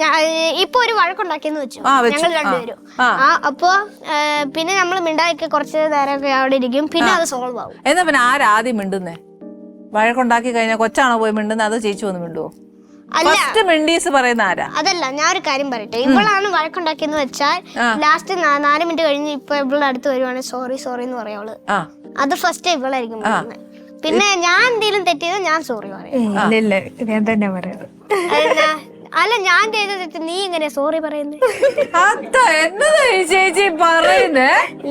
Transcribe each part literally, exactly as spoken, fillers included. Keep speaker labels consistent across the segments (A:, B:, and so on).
A: ഇപ്പൊ ഒരു വഴക്കുണ്ടാക്കിയെന്ന് വെച്ചു ഞങ്ങൾ രണ്ടുപേരും. ആ അപ്പൊ പിന്നെ നമ്മൾ മിണ്ടാക്കി കുറച്ച് നേരമൊക്കെ അവിടെ ഇരിക്കും, പിന്നെ അത് സോൾവ് ആവും.
B: എന്നാ പിന്നെ ആരാദ്യം മിണ്ടുന്നേ? വഴക്കുണ്ടാക്കി കഴിഞ്ഞാൽ കൊച്ചാണോ പോയി മിണ്ടുന്നത്, അതോ ചേച്ചി വന്ന് മിണ്ടുവോ? പറയുന്ന ആരാ?
A: അതല്ല, ഞാൻ ഒരു കാര്യം പറയട്ടെ. ഇവളാണ് വഴക്കുണ്ടാക്കിയെന്ന് വെച്ചാൽ ലാസ്റ്റ് നാല് മിനിറ്റ് കഴിഞ്ഞ് ഇപ്പൊ ഇവളുടെ അടുത്ത് വരുവാണെങ്കിൽ സോറി സോറി എന്ന് പറയാവള്. അത് ഫസ്റ്റ് ഇവളായിരിക്കും പറയുന്നത്. പിന്നെ ഞാൻ എന്തെങ്കിലും തെറ്റിയത് ഞാൻ സോറി പറയും.
C: ഞാൻ തന്നെ പറയാം.
A: അല്ല, ഞാൻ ചെയ്ത തെറ്റ് നീ എങ്ങനെ സോറി പറയുന്നത്?
B: ചേച്ചി പറയുന്നേ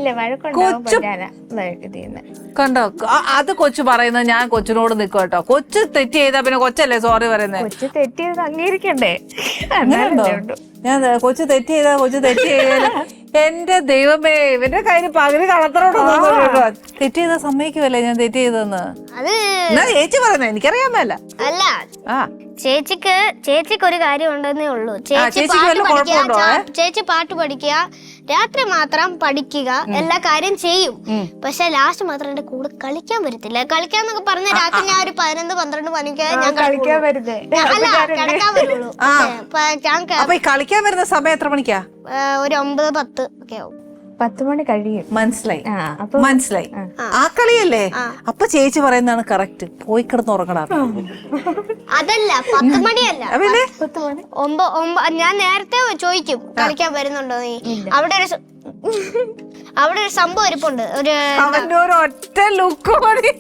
B: കണ്ടോ? അത് കൊച്ചു പറയുന്നത് ഞാൻ കൊച്ചിനോട് നിൽക്കും കേട്ടോ. കൊച്ചു തെറ്റ് ചെയ്താ പിന്നെ കൊച്ചല്ലേ സോറി പറയുന്നത്?
C: കൊച്ചു തെറ്റ് ചെയ്ത് അംഗീകരിക്കണ്ടേ?
B: ഞാൻ കൊച്ചു തെറ്റ് ചെയ്താ കൊച്ചു തെറ്റ് ചെയ്ത എന്റെ ദൈവമേ, ഇവന്റെ കയ്യിൽ പകുതി കളത്തറോടൊന്നും തെറ്റ് ചെയ്താ സമ്മതിക്കുമല്ലേ ഞാൻ തെറ്റ് ചെയ്തെന്ന്? എന്നാ ചേച്ചി പറയുന്നത് എനിക്കറിയാൻ മേല.
A: അല്ല, ചേച്ചിക്ക് ചേച്ചിക്ക് ഒരു കാര്യം ഉണ്ടെന്നേ ഉള്ളൂ. ചേച്ചി ചേച്ചി പാട്ട് പഠിക്കുക, രാത്രി മാത്രം പഠിക്കുക, എല്ലാ കാര്യം ചെയ്യും. പക്ഷെ ലാസ്റ്റ് മാത്രം എന്റെ കൂടെ കളിക്കാൻ വരത്തില്ല. കളിക്കാന്നൊക്കെ പറഞ്ഞ രാത്രി ഞാൻ ഒരു പതിനൊന്ന് പന്ത്രണ്ട് മണിക്ക് ഞാൻ
C: കളിക്കാൻ വരുന്നേ.
A: അല്ല, കിടക്കാൻ വരുള്ളൂ.
B: കളിക്കാൻ വരുന്ന സമയം എത്ര മണിക്കാ?
A: ഒരു ഒമ്പത് പത്ത് ഒക്കെ ആവും.
C: പത്ത് മണി കഴിയും.
B: മനസ്സിലായി മനസ്സിലായി ആ കളിയല്ലേ? അപ്പൊ ചേച്ചി പറയുന്നതാണ് കറക്റ്റ്. പോയി കിടന്ന് ഉറങ്ങണം.
A: അതല്ല, പത്ത് മണിയല്ല, ഞാൻ നേരത്തെ ചോദിക്കും കളിക്കാൻ വരുന്നുണ്ടോ നീ. അവിടെ ഒരു അവിടെ ഒരു സംഭവം ഇരിപ്പുണ്ട്. ഒരു
B: ഒറ്റ ലുക്ക് മതി.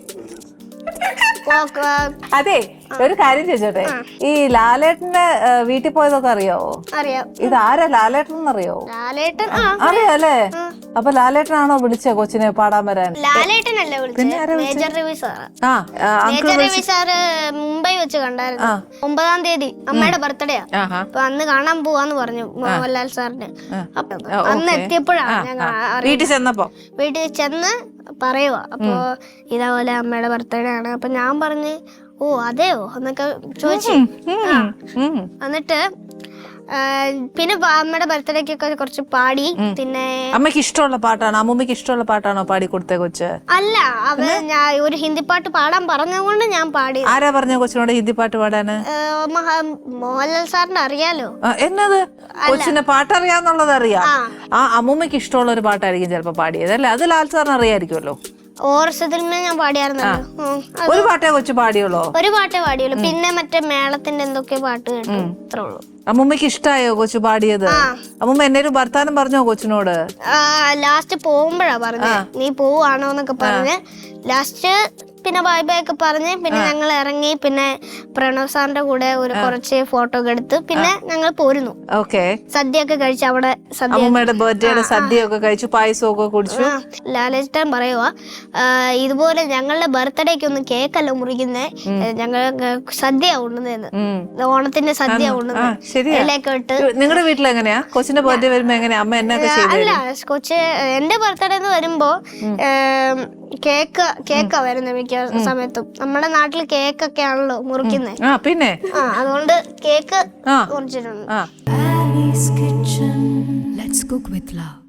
B: അതെ, ഒരു കാര്യം ചോദിച്ചോട്ടെ, ഈ ലാലേട്ടന്റെ വീട്ടിൽ പോയതൊക്കെ അറിയാവോ?
A: അറിയാം.
B: ഇത് ആരാ ലാലേട്ടൻ എന്നറിയാവോ?
A: ലാലേട്ടൻ
B: അറിയാല്ലേ? അപ്പൊ ലാലേട്ടനാണോ വിളിച്ചേ കൊച്ചിനെ പാടാൻ വരാൻ?
A: ലാലേട്ടനല്ലേ വിളിച്ചത്, major Ravi sir. Major Ravi sir Mumbai വെച്ച് കണ്ടായിരുന്നു. ഒമ്പതാം തീയതി അമ്മയുടെ ബർത്ത്ഡേയാ. അപ്പൊ അന്ന് കാണാൻ പോവാന്ന് പറഞ്ഞു മോഹൻലാൽ സാറിന്. അന്ന് എത്തിയപ്പോഴാണ് ഞങ്ങൾ
B: വീട്ടിൽ ചെന്നപ്പോ
A: വീട്ടിൽ ചെന്ന് പറയുവാ. അപ്പൊ ഇതേപോലെ അമ്മയുടെ ബർത്ത്ഡേ ആണ്. അപ്പൊ ഞാൻ പറഞ്ഞ് ഓ അതെയോ എന്നൊക്കെ ചോദിച്ചു. എന്നിട്ട് പിന്നെ അമ്മയുടെ ബർത്ത്ഡേക്കൊക്കെ കുറച്ച് പാടി. പിന്നെ
B: അമ്മയ്ക്ക് ഇഷ്ടമുള്ള പാട്ടാണോ, അമ്മൂമ്മക്ക് ഇഷ്ടമുള്ള പാട്ടാണോ പാടി കൊടുത്തേ കൊച്ച്?
A: അല്ല, അവ ഞാൻ ഒരു ഹിന്ദി പാട്ട് പാടാൻ പറഞ്ഞതുകൊണ്ട് ഞാൻ പാടി.
B: ആരാ പറഞ്ഞ കൊച്ചിനോട് ഹിന്ദി പാട്ട് പാടാന്?
A: മോഹൻലാൽ സാറിന് അറിയാലോ.
B: എന്നത് കൊച്ചിന് പാട്ടറിയാന്നുള്ളത് അറിയാം. ആ അമ്മൂമ്മക്ക് ഇഷ്ടമുള്ള ഒരു പാട്ടായിരിക്കും ചിലപ്പോ പാടിയത് അല്ലേ? അത് ലാൽ സാറിന് അറിയായിരിക്കുമല്ലോ.
A: ഓർസത്തിൽ ഞാൻ പാടിയായിരുന്നല്ലോ.
B: ഒരു പാട്ടേ കൊച്ചു പാടിയുള്ളൂ?
A: ഒരു പാട്ടേ പാടിയുള്ളൂ. പിന്നെ മറ്റേ മേളത്തിന്റെ എന്തൊക്കെ പാട്ട് കേട്ടു, അത്രേ ഉള്ളൂ.
B: അമ്മൂമ്മക്ക് ഇഷ്ടായോ കൊച്ചു പാടിയത്? അമ്മൂമ്മ എന്നൊരു വർത്താനം പറഞ്ഞോ കൊച്ചിനോട്?
A: ലാസ്റ്റ് പോകുമ്പോഴാ പറഞ്ഞ നീ പോവാണോ എന്നൊക്കെ പറഞ്ഞ്. ലാസ്റ്റ് പിന്നെ ബൈ ബൈ ഒക്കെ പറഞ്ഞ് പിന്നെ ഞങ്ങൾ ഇറങ്ങി. പിന്നെ പ്രണവ് സാറിന്റെ കൂടെ ഒരു കുറച്ച് ഫോട്ടോ ഒക്കെ എടുത്ത് പിന്നെ ഞങ്ങൾ പോരുന്നു. സദ്യ ഒക്കെ കഴിച്ച് അവിടെ
B: അമ്മൂമ്മയുടെ ബർത്ത്ഡേയുടെ സദ്യ ഒക്കെ കഴിച്ചു, പായസം ഒക്കെ കുടിച്ചു.
A: ലാലേട്ടൻ പറയുവാ, ഇതുപോലെ ഞങ്ങളുടെ ബർത്ത്ഡേക്ക് ഒന്നും കേക്കല്ല മുറിക്കുന്നേ, ഞങ്ങൾ സദ്യ ഉണ്ടെന്ന്, ഓണത്തിന്റെ സദ്യ ഉണ്ടെന്ന് ഇലയൊക്കെ ഇട്ട്.
B: നിങ്ങളുടെ വീട്ടിൽ എങ്ങനെയാ കൊച്ചിന്റെ ബർത്ത്ഡേ വരുമ്പോ എങ്ങനെയാ അമ്മ എന്നൊക്കെ?
A: അല്ല, കൊച്ച് എന്റെ ബർത്ത്ഡേ എന്ന് വരുമ്പോ കേക്ക് കേക്കാ വരുന്നത് മിക്ക സമയത്തും. നമ്മുടെ നാട്ടിൽ കേക്കൊക്കെ ആണല്ലോ മുറിക്കുന്നത്.
B: പിന്നെ
A: അതുകൊണ്ട് കേക്ക് മുറിച്ചിട്ടുണ്ട്.
D: Annie's Kitchen. Let's cook with love.